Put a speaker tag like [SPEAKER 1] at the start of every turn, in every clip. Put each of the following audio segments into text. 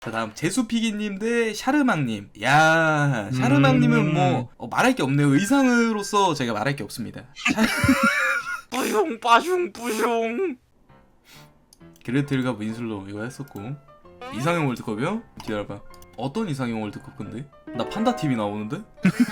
[SPEAKER 1] 자, 다음 제수피기님 대 샤르망님. 야, 샤르망님은 뭐 말할 게 없네요. 의상으로서 제가 말할 게 없습니다. 뿌숑 빠숑 뿌숑. 그레텔과 윈슬로 이거 했었고. 이상형 월드컵이요? 기다려봐. 어떤 이상형 월드컵 근데? 나 판다 TV 나오는데?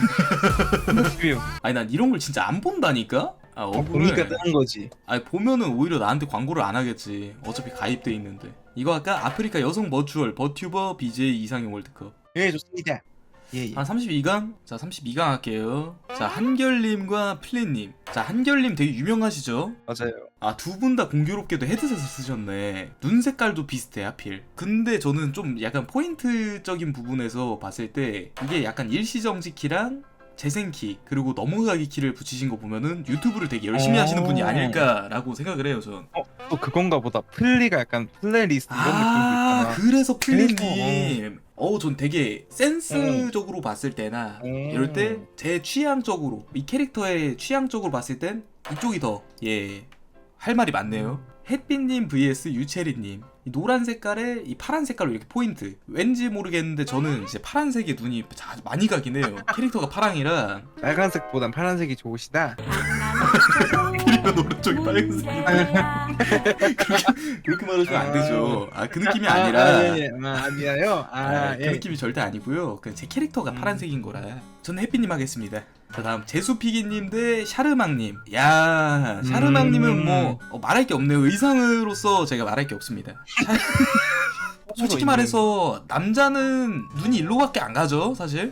[SPEAKER 1] 아니 난 이런 걸 진짜 안 본다니까? 아
[SPEAKER 2] 보니까 뜨는 거지.
[SPEAKER 1] 아니 보면은 오히려 나한테 광고를 안 하겠지. 어차피 가입돼 있는데. 이거 아까 아프리카 여성 버추얼 버튜버 BJ 이상형 월드컵.
[SPEAKER 2] 예, 좋습니다. 예.
[SPEAKER 1] 한 32강? 자 32강 할게요. 자 한결님과 플랜님. 자 한결님 되게 유명하시죠?
[SPEAKER 2] 맞아요.
[SPEAKER 1] 아 두 분 다 공교롭게도 헤드셋을 쓰셨네. 눈 색깔도 비슷해 하필. 근데 저는 좀 약간 포인트적인 부분에서 봤을 때 이게 약간 일시정지키랑 재생키 그리고 넘어가기 키를 붙이신 거 보면은 유튜브를 되게 열심히 하시는 분이 아닐까라고 생각을 해요 전.
[SPEAKER 2] 또 그건가 보다. 플리가 약간 플레이리스트 이런 느낌도 있잖아.
[SPEAKER 1] 그래서 플리님 전 되게 센스적으로 봤을 때나 이럴 때 제 취향적으로 이 캐릭터의 취향적으로 봤을 땐 이쪽이 더 할 말이 많네요. 햇빛님 vs 유체리님. 이 노란 색깔에 이 파란 색깔로 이렇게 포인트. 왠지 모르겠는데 저는 이제 파란색에 눈이 많이 가긴 해요. 캐릭터가 파랑이라.
[SPEAKER 2] 빨간색보단 파란색이 좋으시다.
[SPEAKER 1] 그리고 오른쪽이 빨간색이다. 그렇게 말하시면 안 되죠. 아 그 느낌이 아니라.
[SPEAKER 2] 아니에요.
[SPEAKER 1] 그 느낌이 절대 아니고요. 그냥 제 캐릭터가 파란색인 거라. 저는 햇빛님 하겠습니다. 자 다음 제수피기님 대 샤르망님. 야 샤르망님은 뭐 말할 게 없네요. 의상으로서 제가 말할 게 없습니다. 솔직히 말해서 남자는 눈이 일로밖에 안 가죠 사실.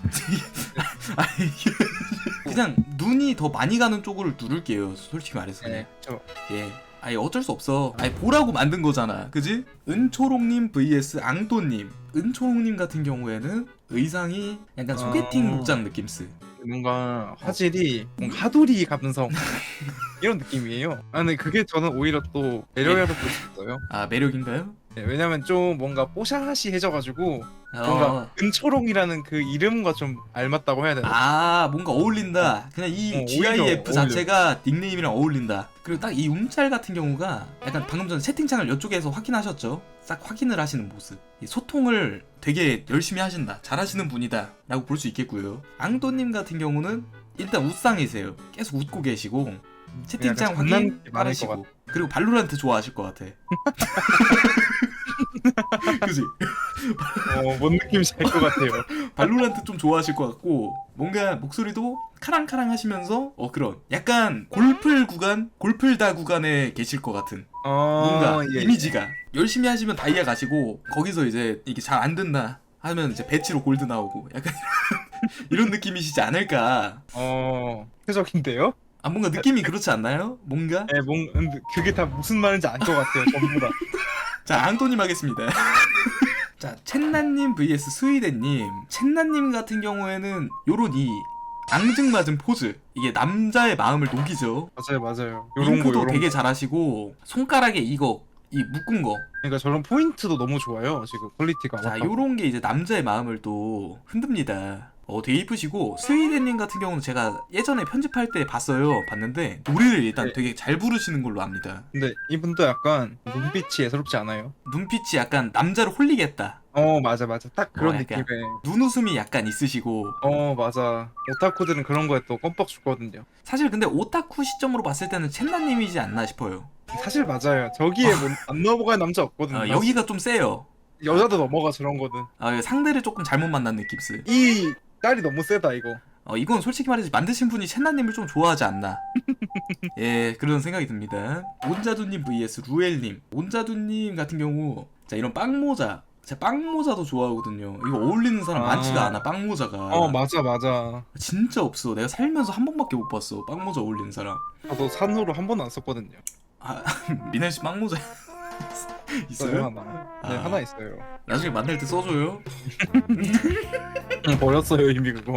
[SPEAKER 1] 그냥 눈이 더 많이 가는 쪽으로 누를게요 솔직히 말해서.
[SPEAKER 2] 네,
[SPEAKER 1] 아니 어쩔 수 없어. 아니 보라고 만든 거잖아 그지? 은초롱님 vs 앙또님. 은초롱님 같은 경우에는 의상이 약간 소개팅 복장 느낌스.
[SPEAKER 2] 뭔가 화질이 뭔가 하도리 감성 이런 느낌이에요. 근데 그게 저는 오히려 또 매력이라고 볼 수 있어요.
[SPEAKER 1] 아 매력인가요?
[SPEAKER 2] 네, 왜냐면 좀 뭔가 뽀샤시해져가지고 뭔가 은초롱이라는 그 이름과 좀 알맞다고 해야 되나?
[SPEAKER 1] 뭔가 어울린다. 그냥 이 GIF
[SPEAKER 2] 오히려
[SPEAKER 1] 자체가 닉네임이랑 어울린다. 그리고 딱 이 움짤 같은 경우가 약간 방금 전에 채팅창을 이쪽에서 확인하셨죠? 싹 확인을 하시는 모습. 이 소통을 되게 열심히 하신다. 잘하시는 분이다. 라고 볼 수 있겠고요. 앙또님 같은 경우는 일단 웃상이세요. 계속 웃고 계시고 채팅창 확인 빠르시고 그리고 발로란트 좋아하실 것 같아. 그지?
[SPEAKER 2] 뭔 느낌인지 알 것 같아요.
[SPEAKER 1] 발로란트 좀 좋아하실 것 같고 뭔가 목소리도 카랑카랑 하시면서 그런 약간 골플다 구간에 계실 것 같은 뭔가 이미지가 열심히 하시면 다이아 가시고 거기서 이제 이게 잘 안 된다 하면 이제 배치로 골드 나오고 약간 이런 느낌이시지 않을까.
[SPEAKER 2] 표적인데요?
[SPEAKER 1] 뭔가 느낌이 그렇지 않나요? 뭔가?
[SPEAKER 2] 네, 그게 다 무슨 말인지 알 것 같아요 전부 다.
[SPEAKER 1] 자 앙토님 하겠습니다. 자 첸나님 vs 스위덴님. 첸나님 같은 경우에는 요런 이 앙증맞은 포즈 이게 남자의 마음을 녹이죠.
[SPEAKER 2] 맞아요.
[SPEAKER 1] 잉크도 되게 잘하시고 손가락에 이 묶은 거.
[SPEAKER 2] 그러니까 저런 포인트도 너무 좋아요 지금 퀄리티가.
[SPEAKER 1] 자 요런 게 이제 남자의 마음을 또 흔듭니다. 되게 이쁘시고 스위덴님 같은 경우는 제가 예전에 편집할 때 봤는데 노래를 일단 되게 잘 부르시는 걸로 압니다.
[SPEAKER 2] 근데 이분도 약간 눈빛이 예사롭지 않아요?
[SPEAKER 1] 눈빛이 약간 남자를 홀리겠다.
[SPEAKER 2] 맞아 딱 그런
[SPEAKER 1] 약간
[SPEAKER 2] 느낌에
[SPEAKER 1] 눈웃음이 약간 있으시고.
[SPEAKER 2] 맞아. 오타쿠들은 그런 거에 또 껌뻑 죽거든요.
[SPEAKER 1] 사실 근데 오타쿠 시점으로 봤을 때는 첸나님이지 않나 싶어요.
[SPEAKER 2] 사실 맞아요. 저기에 안 넘어가는 남자 없거든요.
[SPEAKER 1] 여기가 좀 세요.
[SPEAKER 2] 여자도 넘어가 저런 거는.
[SPEAKER 1] 상대를 조금 잘못 만난 느낌스.
[SPEAKER 2] 이 딸이 너무 세다 이거.
[SPEAKER 1] 이건 솔직히 말해서 만드신 분이 첸나님을 좀 좋아하지 않나. 그런 생각이 듭니다. 온자두님 vs 루엘님. 온자두님 같은 경우 자 이런 빵모자. 제가 빵모자도 좋아하거든요. 이거 어울리는 사람 많지가 않아 빵모자가.
[SPEAKER 2] 맞아.
[SPEAKER 1] 진짜 없어. 내가 살면서 한 번밖에 못 봤어 빵모자 어울리는 사람.
[SPEAKER 2] 저도 산후로 한 번도 안 썼거든요.
[SPEAKER 1] 미넬씨 빵모자 있어요?
[SPEAKER 2] 하나. 네, 하나 있어요.
[SPEAKER 1] 나중에 만날 때 써줘요.
[SPEAKER 2] 버렸어요 이미 그거.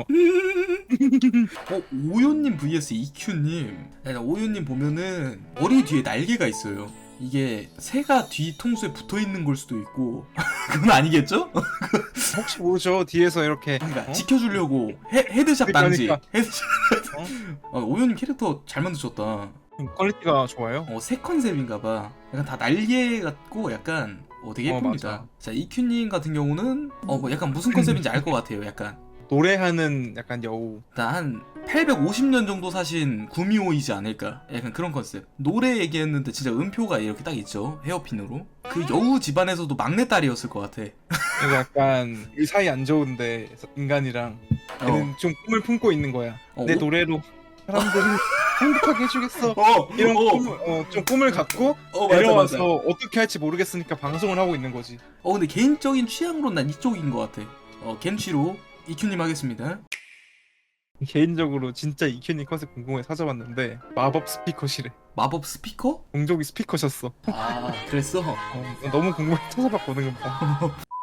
[SPEAKER 1] 오요님 vs EQ님. 오요님 보면은 머리 뒤에 날개가 있어요. 이게 새가 뒤통수에 붙어있는 걸 수도 있고 그건 아니겠죠?
[SPEAKER 2] 혹시 모르죠 뒤에서 이렇게
[SPEAKER 1] 그러니까 지켜주려고 헤드샷 방지.
[SPEAKER 2] 그러니까.
[SPEAKER 1] 헤드샷. 오요님 캐릭터 잘 만드셨다.
[SPEAKER 2] 퀄리티가 좋아요.
[SPEAKER 1] 새 컨셉인가봐. 약간 다 날개 같고 약간 되게 예쁩니다.
[SPEAKER 2] 맞아.
[SPEAKER 1] 자, 이큐님 같은 경우는 뭐 약간 무슨 컨셉인지 알 것 같아요. 약간
[SPEAKER 2] 노래하는 약간 여우.
[SPEAKER 1] 일단 한 850년 정도 사신 구미호이지 않을까? 약간 그런 컨셉. 노래 얘기했는데 진짜 음표가 이렇게 딱 있죠. 헤어핀으로. 그 여우 집안에서도 막내딸이었을 것 같아.
[SPEAKER 2] 그래서 약간 이 사이 안 좋은데 인간이랑 걔는 좀 꿈을 품고 있는 거야. 내
[SPEAKER 1] 어?
[SPEAKER 2] 노래로 사람들을 행복하게 해주겠어. 이런 좀 꿈을 갖고
[SPEAKER 1] 맞아,
[SPEAKER 2] 내려와서
[SPEAKER 1] 맞아.
[SPEAKER 2] 어떻게 할지 모르겠으니까 방송을 하고 있는 거지.
[SPEAKER 1] 근데 개인적인 취향으로 난 이쪽인 것 같아. 겐취로 이큐님 하겠습니다.
[SPEAKER 2] 개인적으로 진짜 이큐님 컨셉 궁금해 찾아봤는데 마법 스피커시래.
[SPEAKER 1] 마법 스피커?
[SPEAKER 2] 공족이 스피커셨어.
[SPEAKER 1] 아, 그랬어?
[SPEAKER 2] 너무 궁금해 찾아봤거든 금방.